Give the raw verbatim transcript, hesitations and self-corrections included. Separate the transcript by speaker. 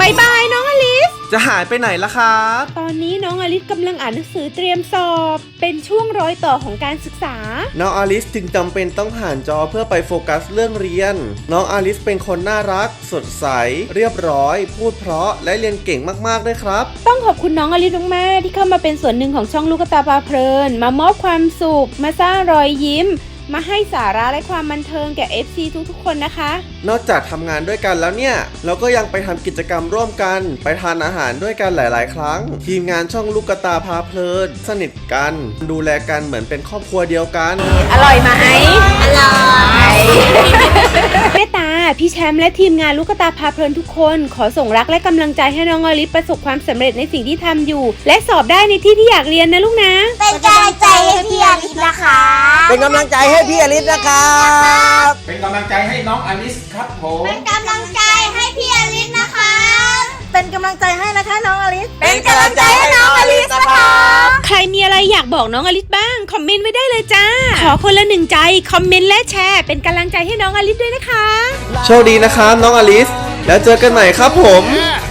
Speaker 1: บายบายน้องอลิส
Speaker 2: จะหายไปไหนล่ะครับ
Speaker 1: ตอนนี้น้องอลิสกำลังอ่านหนังสือเตรียมสอบเป็นช่วงรอยต่อของการศึกษา
Speaker 2: น้องอลิสจึงจำเป็นต้องผ่านจอเพื่อไปโฟกัสเรื่องเรียนน้องอลิสเป็นคนน่ารักสดใสเรียบร้อยพูดเพราะและเรียนเก่งมากๆด้วยครับ
Speaker 1: ต้องขอบคุณน้องอลิสมากๆที่เข้ามาเป็นส่วนหนึ่งของช่องลูกตาพาเพลินมามอบความสุขมาสร้างรอยยิ้มมาให้สาระและความบันเทิงแก่ เอฟ ซี ทุกๆคนนะคะ
Speaker 2: นอกจากทำงานด้วยกันแล้วเนี่ยเราก็ยังไปทำกิจกรรมร่วมกันไปทานอาหารด้วยกันหลายๆครั้งทีมงานช่องลูกตาพาเพลินสนิทกันดูแลกันเหมือนเป็นครอบครัวเดียวกัน
Speaker 1: อร่อยไหมอร่อยแม่ตาพี่แชมป์และทีมงานลูกตาพาเพลินทุกคนขอส่งรักและกำลังใจให้น้องอลิสประสบความสำเร็จในสิ่งที่ทำอยู่และสอบได้ในที่ที่อยากเรียนนะลูกนะ
Speaker 3: เป็นกำลังใจให้พี่อลิสนะคะ
Speaker 4: เป็นกำลังใจให้พี่อลิสนะครับ
Speaker 5: เป็นกำลังใจให้น้องอลิสครับผม
Speaker 3: เป็นกำลังใจให้พี่อลิสนะคะ
Speaker 4: เป็นกำลังใจให้นะคะน้องอลิส
Speaker 3: เป็นกำลังใจให้น้องอลิสนะคะ
Speaker 1: ใครมีอะไรอยากบอกน้องอลิสบ้างคอมเมนต์ไว้ได้เลยจ้าขอคนละหนึ่งใจคอมเมนต์และแชร์เป็นกำลังใจให้น้องอลิสด้วยนะคะ
Speaker 2: โชคดีนะครับน้องอลิสแล้วเจอกันใหม่ครับผม